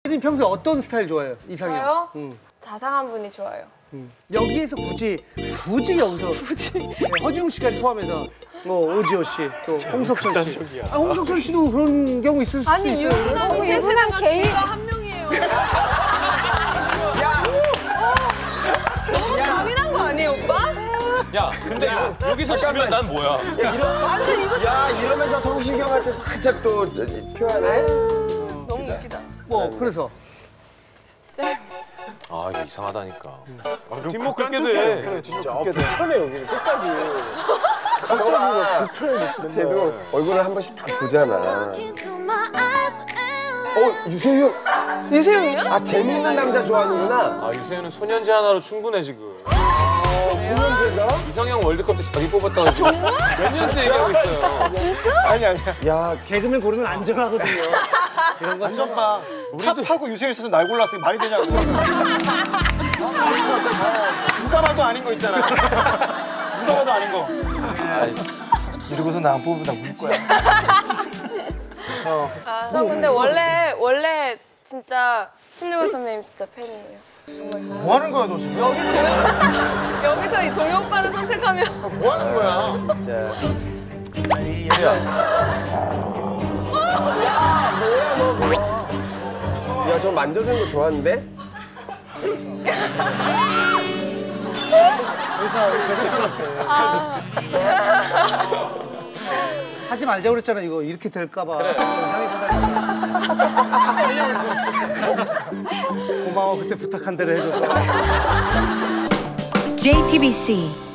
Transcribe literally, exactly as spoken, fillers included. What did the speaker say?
혜린 평소에 어떤 스타일 좋아해요? 이상형? 저요? 응. 자상한 분이 좋아요. 응. 여기에서 굳이 굳이 여기서 굳이 네, 허지웅 씨까지 포함해서 뭐 오지호 씨, 또 홍석천 씨. 아, 홍석천 씨도 그런 경우 있을 수 아니, 있어요. 유부남 유부남 개인가 한 명이에요. 너무 잔인한 거 아니에요, 오빠? 야, 근데 야, 여기서 지면 난 뭐야? 야, 이러, 완전 이거 야, 이러면서 성시경한테 살짝 또 표현해? 너무 웃기다. 뭐 그래서 아, 이거 이상하다니까. 아, 뒷목 긁게 돼. 그래, 진짜. 아, 불편해, 여기는 끝까지. 갑자기 불편해. 쟤도 얼굴을 한 번씩 다 보잖아. 어, 유세윤. 유세윤이요? 아, 재밌는 남자 좋아하는구나. 아, 유세윤은 소년제 하나로 충분해, 지금. 소년제가? 이상형 월드컵 때 자기 뽑았다고 지금 몇 년째 얘기하고 있어요. 진짜? 아니 아니야. 야, 개그맨 고르면 안전하거든요. 이런 거 완전 봐. 탑하고 유세윤 있어서 날 골랐어. 말이 되냐고. 누가 봐도 아닌 거 있잖아. 누가 봐도 아닌 거. 이러고서 나 안 뽑으면 나 울 거야. 어. 아, 저 근데 원래 원래 진짜 신동엽 선배님 진짜 팬이에요. 정말. 뭐 하는 거야, 너 지금? 여기 동엽 여기서 이 동엽 오빠를 선택하면 뭐 하는 거야? 진짜. 야, 뭐야, 너 뭐야? 야, 저 만져주는 거 좋아하는데? 하지 말자고 그랬잖아. 이거 이렇게 될까 봐. 그래. 고마워. 그때 부탁한 대로 해줘서. 제이티비씨